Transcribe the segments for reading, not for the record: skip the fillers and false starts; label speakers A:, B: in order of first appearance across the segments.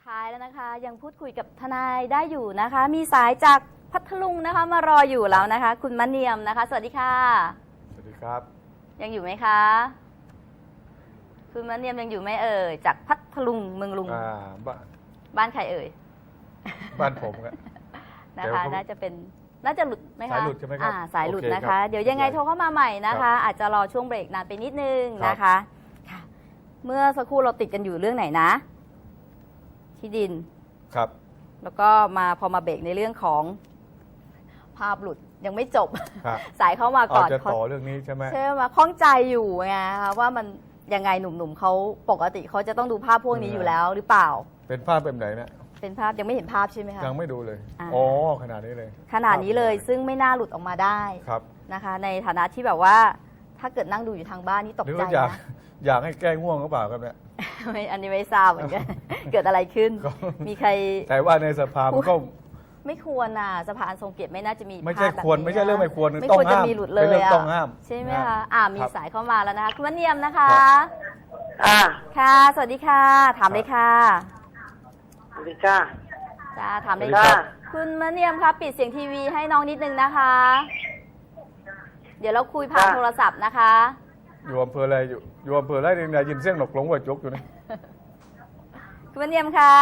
A: ท้ายแล้วนะคะยังพูดคุยกับทนายได้อยู่นะคะ มีสายจากพัทลุงนะคะมารออยู่แล้วนะคะ คุณมะเนียมนะคะสวัสดีค่ะ
B: สวัสดีครับ
A: ยังอยู่ไหมคะคุณมะเนียมยังอยู่ไหมเอ่ยจากพัทลุงเมืองลุงบ้านใครเอ่ย
B: บ้านผมครับ
A: นะคะน่าจะหลุดไหมคะ
B: สายหลุดใช่ไหมครับ
A: สายหลุดนะคะเดี๋ยวยังไงโทรเข้ามาใหม่นะคะอาจจะรอช่วงเบรกนานไปนิดนึงนะคะเมื่อสักครู่เราติดกันอยู่เรื่องไหนนะที่ดิน
B: ครับ
A: แล้วก็พอมาเบรกในเรื่องของภาพหลุดยังไม่จบสายเข้ามาก่อน
B: จะต่อเรื่องนี้ใช่ไหม
A: ใช่ไหมข้องใจอยู่ไงคะว่ามันยังไงหนุ่มๆเขาปกติเขาจะต้องดูภาพพวกนี้อยู่แล้วหรือเปล่า
B: เป็นภาพแบบไหนนะ
A: เป็นภาพยังไม่เห็นภาพใช่ไหมคะ
B: ยังไม่ดูเลยขนาดนี้เลย
A: ขนาดนี้เลยซึ่งไม่น่าหลุดออกมาได้นะคะในฐานะที่แบบว่าถ้าเกิดนั่งดูอยู่ทางบ้านนี่ตกใจนะ
B: อยากให้แก้ง่วงหรือเปล่าครับเนี่ย
A: อันนี้ไม่ทราบเหมือนกันเกิดอะไรขึ้นมีใคร
B: แต่ว่าในสภามันก็
A: ไม่ควรนะสภาอันทรงเกียรติไม่น่าจะมี
B: ไม่ใช่ควรไม่ใช่เรื่องไม่ควร
A: ไม่ควรจะมีหลุดเลย
B: ต้องห้าม
A: ใช่ไหมคะมีสายเข้ามาแล้วนะคะคุณมะเนียมนะคะค่ะสวัสดีค่ะถามเลยค่ะ
C: สวัสดีค่ะ
A: จ้าถามเลยค่ะคุณมะเนียมคะปิดเสียงทีวีให้น้องนิดนึงนะคะเดี๋ยวเราคุยผ่านโทรศัพท์นะคะ
B: อยู่อำเภออะไรอยู่อำเภออะไรเนี่ยยินเสียงหนกหลงหัวจกอยู่นี่
A: คุณมะเนียมค่ะ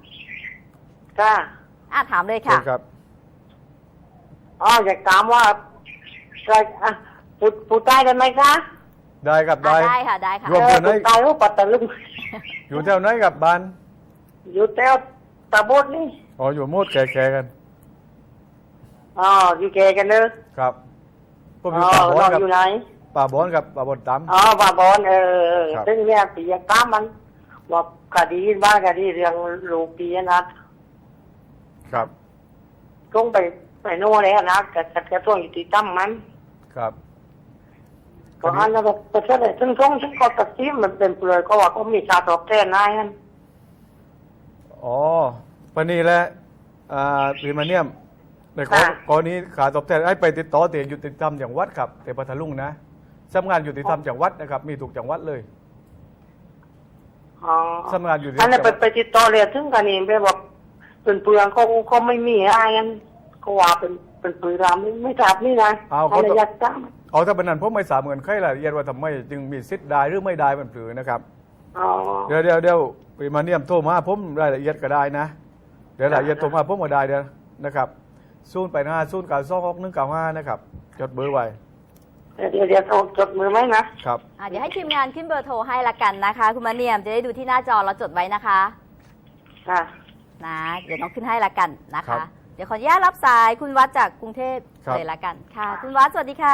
A: ถามเลยค่ะ
B: ครับ
C: อยากถามว่าพูดใต้ได้ไหมคะ
B: ได้ครับ
A: ได้ค่ะ
B: อยู่อำเภอไหน
C: ใต้หรือปัตตานี
B: อยู่แถวไหนกับบ้าน
C: อยู่แถวตาบดนี่
B: อยู่โมดแก่ๆกัน
C: อยู่แก่กันเนอะ
B: ครับ
C: ผมอยู่ป่าบอนอยู่ไหน
B: ป่าบอนกับป่าบอนตั้ม
C: ป่าบอนซึ่งเนี่ยปียกล้ามมันว่าคดีบ้านคดีเรื่องลูกปีนะครับต้องไปโน่นเลยนะแต่ต้องอยู่ที่ตั้มมัน
B: ครับ
C: ก็อันนั้นก็ใช่เลยซึ่งก็ตัดสินมันเป็นเปลือยก็ว่าก็มีชาตอบแทนนายนั่น
B: ปนีแหละพี่มาเนียมในกรณีขาตอบแทนให้ไปติดต่อเตียยุติธรรมจังหวัดครับแต่พัทลุงนะสำนักงานยุติธรรมจังหวัดนะครับมีถูกจังหวัดเลยสำนักงานยุติธรรม
C: อันนั้นไปติดต่อเลยถึงกันนี่ไปบอกเป็นเปลืองเขาไม่มีอะไรกันก็ว่าเป็นเปลืองไม่จับนี่นะอะไรยัดจ้า
B: ถ้าเป็นนั้นผมไม่ทราบเหมือนใครรายละเอียดว่าทำไมจึงมีสิทธิ์ได้หรือไม่ได้เป็นเปลืองนะครับเดี๋ยวพี่มาเนียมโทรมาผมรายละเอียดก็ได้นะเดี๋ยวรายละเอียดโทรมาผมก็ได้เดี๋ยวนะครับ085 092 6195นะครับจดเบอร์ไว้
C: เดี๋ยวจดมือไหม
B: นะครับ
A: เดี๋ยวให้ทีมงานขึ้นเบอร์โทรให้ละกันนะคะคุณมะเนียมจะได้ดูที่หน้าจอเราจดไว้นะคะนะเดี๋ยวน้องขึ้นให้ละกันนะคะเดี๋ยวขออนุญาตรับสายคุณวัดจากกรุงเทพเลยละกันค่ะคุณวัดสวัสดีค่ะ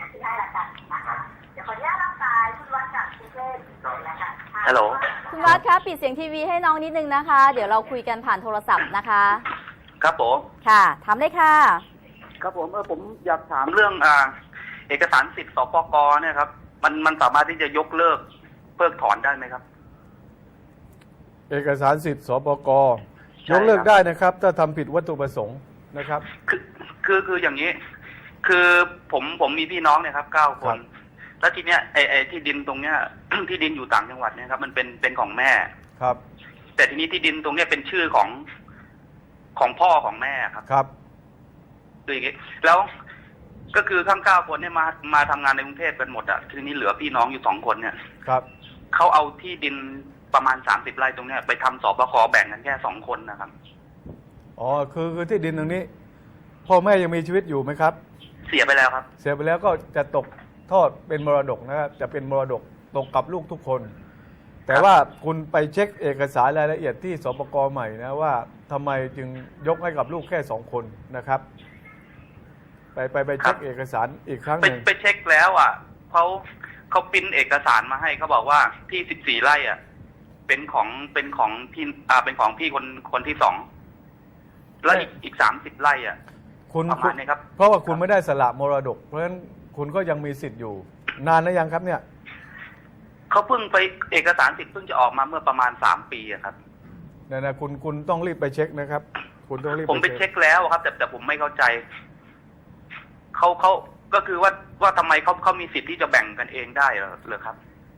D: ฮัลโหล
A: คุณวัดคะปิดเสียงทีวีให้น้องนิดนึงนะคะเดี๋ยวเราคุยกันผ่านโทรศัพท์นะคะ
D: ครับผม
A: ค่ะถามเลยค่ะ
D: ครับผมอยากถามเรื่องเอกสารสิทธิ์สปก.เนี่ยครับมันสามารถที่จะยกเลิกเพิกถอนได้ไหมครับ
B: เอกสารสิทธิ์สปก.ยกเลิกได้นะครับถ้าทำผิดวัตถุประสงค์นะครับ
D: คืออย่างนี้คือผมมีพี่น้องเนี่ยครับ9 คนแล้วทีเนี้ยไอ้ที่ดินตรงเนี้ย ที่ดินอยู่ต่างจังหวัดเนี่ยครับมันเป็นของแม่
B: ครับ
D: แต่ทีนี้ที่ดินตรงเนี้ยเป็นชื่อของพ่อของแม่ครับ
B: ครับ
D: คืออย่างนี้แล้วก็คือทั้ง9 คนเนี่ยมาทำงานในกรุงเทพกันหมดอ่ะทีนี้เหลือพี่น้องอยู่2 คนเนี่ย
B: ครับ
D: เขาเอาที่ดินประมาณ30 ไร่ตรงเนี้ยไปทำสปก.แบ่งกันแค่2 คนนะครับ
B: คือที่ดินตรงนี้พ่อแม่ยังมีชีวิตอยู่ไหมครับ
D: เสียไปแล้วครับ
B: เสียไปแล้วก็จะตกทอดเป็นมรดกนะครับจะเป็นมรดกตกกับลูกทุกคนแต่ว่าคุณไปเช็คเอกสารรายละเอียดที่สปก.ใหม่นะว่าทำไมจึงยกให้กับลูกแค่2 คนนะครับไปเช็คเอกสารอีกครั้งหนึ่ง
D: ไปเช็คแล้วอ่ะเขาปริ้นเอกสารมาให้เขาบอกว่าที่14 ไร่อ่ะเป็นของพี่เป็นของพี่คนที่2แล้วอีก30 ไร่อ่ะประมาณนี้ครับ
B: เพราะว่าคุณไม่ได้สละมรดกเพราะฉะนั้นคุณก็ยังมีสิทธิ์อยู่นานหรือยังครับเนี่ย
D: เขาเพิ่งไปเอกสารสิทธิ์เพิ่งจะออกมาเมื่อประมาณ3 ปีครับ
B: เนี่ยนะคุณต้องรีบไปเช็คนะครับคุณต้องรีบ
D: ผมไปเช็คแล้วครับแต่ผมไม่เข้าใจเขาก็คือว่าทำไมเขามีสิทธิ์ที่จะแบ่งกันเองได้เหรอครับ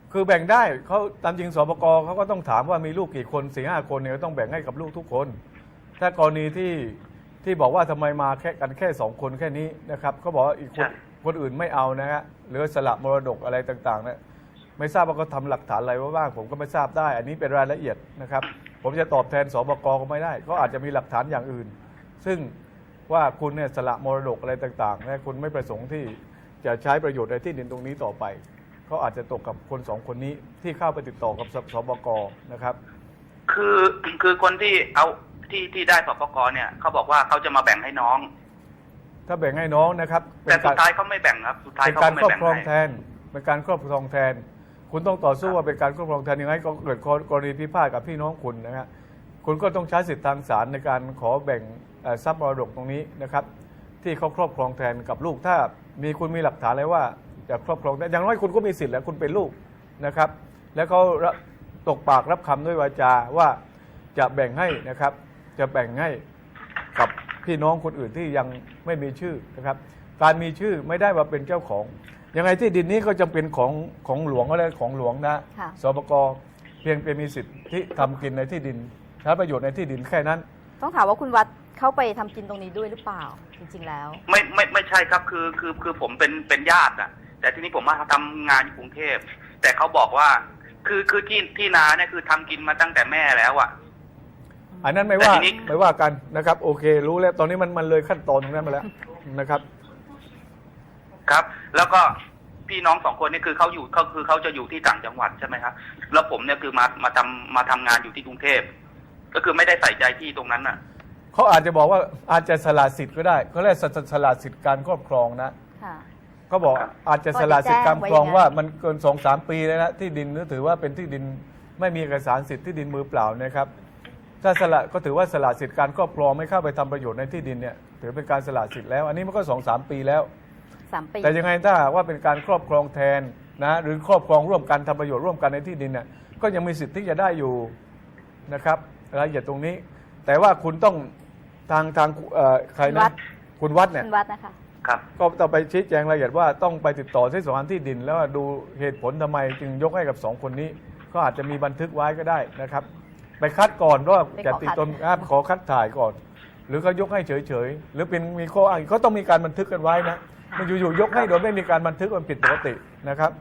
B: คือแบ่งได้เขาตามจริงสปกเขาก็ต้องถามว่ามีลูกกี่คน4-5 คนเนี่ยต้องแบ่งให้กับลูกทุกคน ถ้ากรณีที่บอกว่าทำไมมาแค่2 คนแค่นี้นะครับเขาบอกว่าอีกคนอื่นไม่เอานะฮะหรือสละมรดกอะไรต่างๆนะไม่ทราบว่าเขาทำหลักฐานอะไรว่าบ้างผมก็ไม่ทราบได้ อันนี้เป็นรายละเอียดนะครับผมจะตอบแทนสปกก็ไม่ได้ก็อาจจะมีหลักฐานอย่างอื่น ซึ่งว่าคุณเนี่ยสละมรดกอะไรต่างๆและคุณไม่ประสงค์ที่จะใช้ประโยชน์ในที่ดินตรงนี้ต่อไปก็อาจจะตกกับคน2 คนนี้ที่เข้าไปติดต่อกับสปกนะครับ
D: คือคนที่เอาที่ได้สปกเนี่ยเขาบอกว่าเขาจะมาแบ่งให้น้อง
B: ถ้าแบ่งให้น้องนะครับ
D: แต่สุดท้ายเขาไม่แบ่งครับสุดท้ายเขาไม่แบ่งให้
B: เป็นการครอบครองแทนคุณต้องต่อสู้ว่าเป็นการครอบครองแทนยังไงก็เกิดกรณีพิพาทกับพี่น้องคุณนะฮะคุณก็ต้องใช้สิทธิทางศาลในการขอแบ่งทรัพย์มรดกตรงนี้นะครับที่เขาครอบครองแทนกับลูกถ้าคุณมีหลักฐานอะไรว่าจะครอบครองแต่อย่างน้อยคุณก็มีสิทธิ์แล้วคุณเป็นลูกนะครับแล้วเขาตกปากรับคำด้วยวาจาว่าจะแบ่งให้นะครับจะแบ่งให้กับพี่น้องคนอื่นที่ยังไม่มีชื่อนะครับการมีชื่อไม่ได้ว่าเป็นเจ้าของยังไงที่ดินนี้ก็จำเป็นของหลวงอะไรของหลวงนะสปกเพียงเป็นมีสิทธิ์ที่ทำกินในที่ดินใช้ประโยชน์ในที่ดินแค่นั้น
A: ต้องถามว่าคุณวัดเข้าไปทำกินตรงนี้ด้วยหรือเปล่าจริงๆแล้ว
D: ไม่ใช่ครับคือผมเป็นญาติอะแต่ทีนี้ผมมาทำงานอยู่กรุงเทพแต่เขาบอกว่าคือที่นาเนี่ยคือทำกินมาตั้งแต่แม่แล้วอะ
B: อันนั้นไม่ว่ากันนะครับโอเครู้แล้วตอนนี้มันเลยขั้นตอนตรงนั้นมาแล้วนะครับ
D: ครับแล้วก็พี่น้อง2 คนนี่คือเขาจะอยู่ที่ต่างจังหวัดใช่ไหมครับแล้วผมเนี่ยคือมาทำงานอยู่ที่กรุงเทพก็คือไม่ได้ใส่ใจที่ตรงนั้นน่ะ
B: เขาอาจจะบอกว่าอาจจะสละสิทธิ์ก็ได้เขาเรียกสละสิทธิ์การครอบครองนะเขาบอกอาจจะสละสิทธิ์การครองว่ามันเกิน2-3 ปีแล้วนะที่ดินถือว่าเป็นที่ดินไม่มีเอกสารสิทธิ์ที่ดินมือเปล่านะครับถ้าสละก็ถือว่าสละสิทธิ์การครอบครองไม่เข้าไปทำประโยชน์ในที่ดินเนี่ยถือเป็นการสละสิทธิ์แล้วอันนี้มันก็2-3 ปีแล้วแต่ยังไงถ้าว่าเป็นการครอบครองแทนนะหรือครอบครองร่วมกันทำประโยชน์ร่วมกันในที่ดินเนี่ยก็ยังมีสิทธิ์ที่จะได้อยู่นะครับรายละเอียดตรงนี้แต่ว่าคุณต้องทางใครนะคุณวัดเนี่ย
A: นะคะ
D: ครับ
B: ก็ต้องไปชี้แจงรายละเอียดว่าต้องไปติดต่อที่สำนักงานที่ดินแล้วดูเหตุผลทำไมจึงยกให้กับ2 คนนี้ก็อาจจะมีบันทึกไว้ก็ได้นะครับไปคัดก่อนว่าจะติดตนขอคัดถ่ายก่อนหรือเขายกให้เฉยๆหรือเป็นมีข้ออ้างเขาต้องมีการบันทึกกันไว้นะมันอยู่ๆยกให้โดยไม่มีการบันทึกมันผิดปกตินะครับ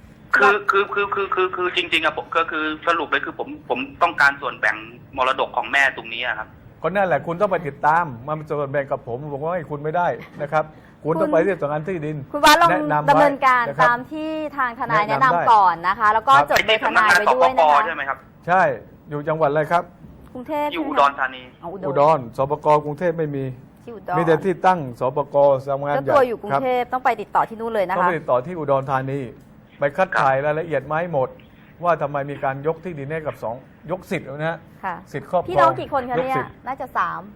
D: คือจริงๆอะผมก็คือสรุปเลยคือผมต้องการส่วนแบ่งมรดกของแม่ตรงนี้ครับ
B: ก็นั่นแหละคุณต้องไปติดตามมันส่วนแบ่งกับผมว่าให้คุณไม่ได้นะครับคุณต้องไปที่สำนักงานที่ดิน
A: คุณว่าลองดำเนินการตามที่ทางทนายแนะนำก่อนนะคะแล้วก็จดเบอร์ทนายไว้ด้วยนะคะ
D: ใช่ไหมครับ
B: ใช่อยู่จังหวัดอะไรครับ
A: กรุงเทพ
D: อยู่อุดรธานี
B: อุดรสปกกรุงเทพไม่มีมีแต่ที่ตั้งสปกสำนักงานใหญ่
A: ตัวอยู่กรุงเทพต้องไปติดต่อที่นู่นเลยนะคะ
B: ต้องไปติดต่อที่อุดรธานีไปคัดถ่ายรายละเอียดมาให้หมดว่าทำไมมีการยกที่ดินให้กับยกสิทธิ์นะฮะสิทธิ์ครอบครอง
A: พี่น้องกี่คนคะเนี่ยน่าจะ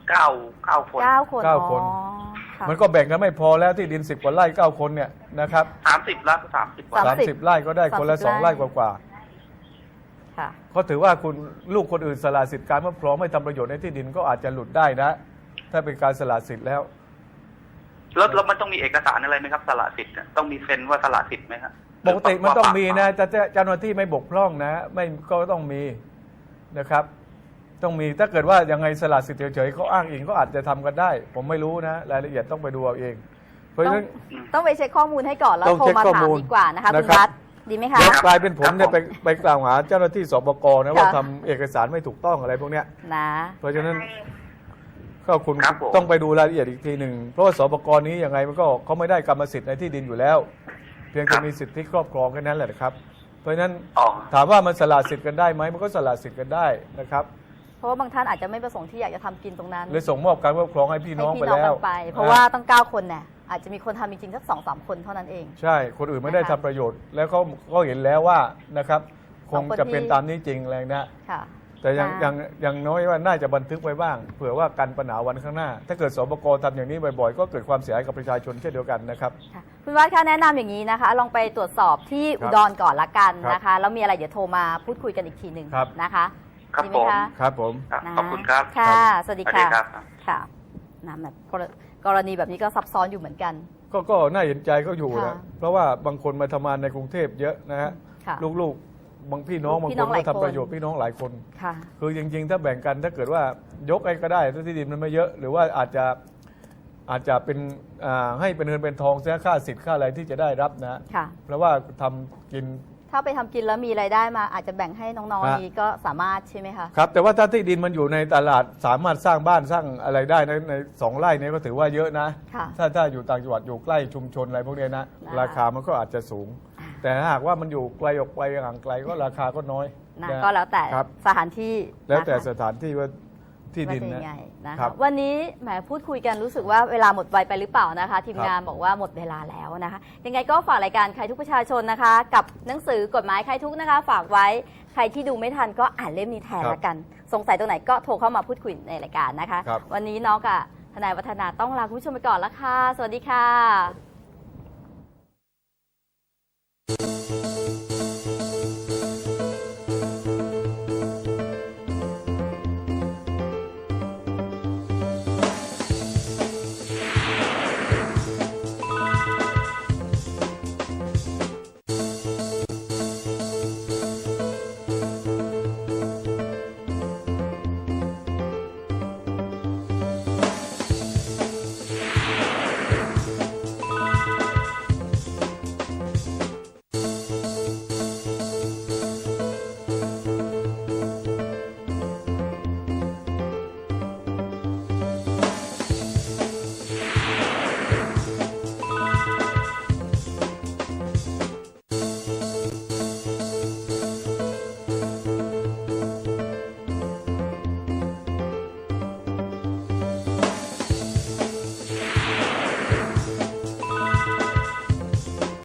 D: 9 คน
B: 9 คนมันก็แบ่งกันไม่พอแล้วที่ดิน10 กว่าไร่9 คนเนี่ยนะครับ
D: 30 ไร่
B: 30 ไร่ก็ได้คนละ2 ไร่กว่าเขาถือว่าคุณลูกคนอื่นสละสิทธิ์การครอบครองไม่ทำประโยชน์ในที่ดินก็อาจจะหลุดได้นะถ้าเป็นการสละสิทธิ์แล้ว
D: มันต้องมีเอกสารอะไรไหมครับสละสิทธิ์ต้องมีเซ็นว่าสละสิทธิ์ไหมครับ
B: ปกติมันต้องมีนะแต่เจ้าหน้าที่ไม่บกพร่องนะไม่ก็ต้องมีนะครับต้องมีถ้าเกิดว่ายังไงสละสิทธิ์เฉยๆเขาอ้างอิงก็อาจจะทำกันได้ผมไม่รู้นะรายละเอียดต้องไปดูเอาเองเพราะฉะนั้น
A: ต้องไปเช็คข้อมูลให้ก่อนแล้วโทรมาถามดีกว่านะคะคุณวัดดีไหมคะ
B: กลายเป็นผมเนี่ยไปกล่าวหาเจ้าหน้าที่สปกนะว่าทำเอกสารไม่ถูกต้องอะไรพวกเนี้ย
A: นะ
B: เพราะฉะนั้นก็คุณต้องไปดูรายละเอียดอีกทีหนึ่งเพราะว่าสปกนี้ยังไงมันก็เขาไม่ได้กรรมสิทธิ์ในที่ดินอยู่แล้วเพียงแต่มีสิทธิครอบครองแค่นั้นแหละครับเพราะฉะนั้นถามว่ามันสละสิทธิ์กันได้ไหมมันก็สละสิทธิ์กันได้นะครับ
A: เพราะว่าบางท่านอาจจะไม่ประสงค์ที่อยากจะทำกินตรงนั้น
B: เลยส่งมอบการครอบครองให้พี่น้องไปแล้ว
A: เพราะว่าตั้ง9 คนเนี่ยอาจจะมีคนทำจริงๆสัก2-3 คนเท่านั้นเอง
B: ใช่คนอื่นไม่ได้ทำประโยชน์แล้วเขาก็เห็นแล้วว่านะครับคงจะเป็นตามนี้จริงแรงนะแต่ยังน้อยว่าน่าจะบันทึกไว้บ้างเผื่อว่ากันปัญหาวันข้างหน้าถ้าเกิดสปกทำอย่างนี้บ่อยๆก็เกิดความเสียหายกับประชาชนเช่นเดียวกันนะครับ
A: คุณวัดคะแนะนำอย่างนี้นะคะลองไปตรวจสอบที่อุดรก่อนละกันนะคะแล้วมีอะไรเดี๋ยวโทรมาพูดคุยกันอีกทีหนึ่งนะคะ
D: ดีไหมคะ
B: ครับผม
D: ขอบคุณครับ
A: ค่ะสวัสดีค่ะค่ะแบบกรณีแบบนี้ก็ซับซ้อนอยู่เหมือนกัน
B: ก็น่าเห็นใจก็อยู่นะเพราะว่าบางคนมาทำงานในกรุงเทพเยอะนะฮะ
A: ค่ะ
B: ลูกๆบางพี่น้องบาง
A: พี่
B: ค
A: น้อน งหลาย
B: ก็
A: คน
B: ทำประโยชน์พี่น้องหลายคน
A: ค่ะ
B: คือจริงๆ ถ้าแบ่งกันถ้าเกิดว่ายกไอ้ก็ได้ถ้าที่ดินมันไม่เยอะ หรือว่าอาจจะเป็นให้เป็นเงินเป็นทองเสียค่าสิทธิ์ค่าอะไรที่จะได้รับนะ
A: ค่ะ
B: เพราะว่าทำกิน
A: ถ้าไปทำกินแล้วมีรายได้มาอาจจะแบ่งให้น้อง
B: ฮะ
A: ๆนี้ก็สามารถใช่ไหมคะ
B: ครับแต่ว่าถ้าที่ดินมันอยู่ในตลาดสามารถสร้างบ้านสร้างอะไรได้ใน2 ไร่เนี้ก็ถือว่าเยอะนะ
A: ค่ะ
B: ถ้าอยู่ต่างจังหวัดอยู่ใกล้ชุมชนอะไรพวกเนี้ยนะ
A: นะคะ
B: ราคามันก็อาจจะสูง แต่ถ้าหากว่ามันอยู่ไกลออกไปห่างไกลก็ราคาก็น้อย
A: นะ
B: นะ
A: ก็แล้วแต่
B: ครับ
A: สถานที่
B: แล้วแต่
A: นะคะ
B: สถานที่ว่าที่ดิน
A: ว่าจะ
B: นะ
A: ยังไงนะ
B: ครั
A: คะ
B: บ
A: วันนี้แหมพูดคุยกันรู้สึกว่าเวลาหมดไวไปหรือเปล่านะคะ ทีม
B: ครับ
A: งานบอกว่าหมดเวลาแล้วนะคะ ยังไงก็ฝากรายการใครทุกประชาชนนะคะ กับหนังสือกฎหมายใครทุกนะคะ ฝากไว้ใครที่ดูไม่ทันก็อ่านเล่มนี้แทนละกัน สงสัยตรงไหนก็โทรเข้ามาพูดคุยในรายการนะคะ
B: ครับ
A: วันนี้น้องกับทนายวัฒนาต้องลาคุณผู้ชมไปก่อนละค่ะสวัสดีค่ะ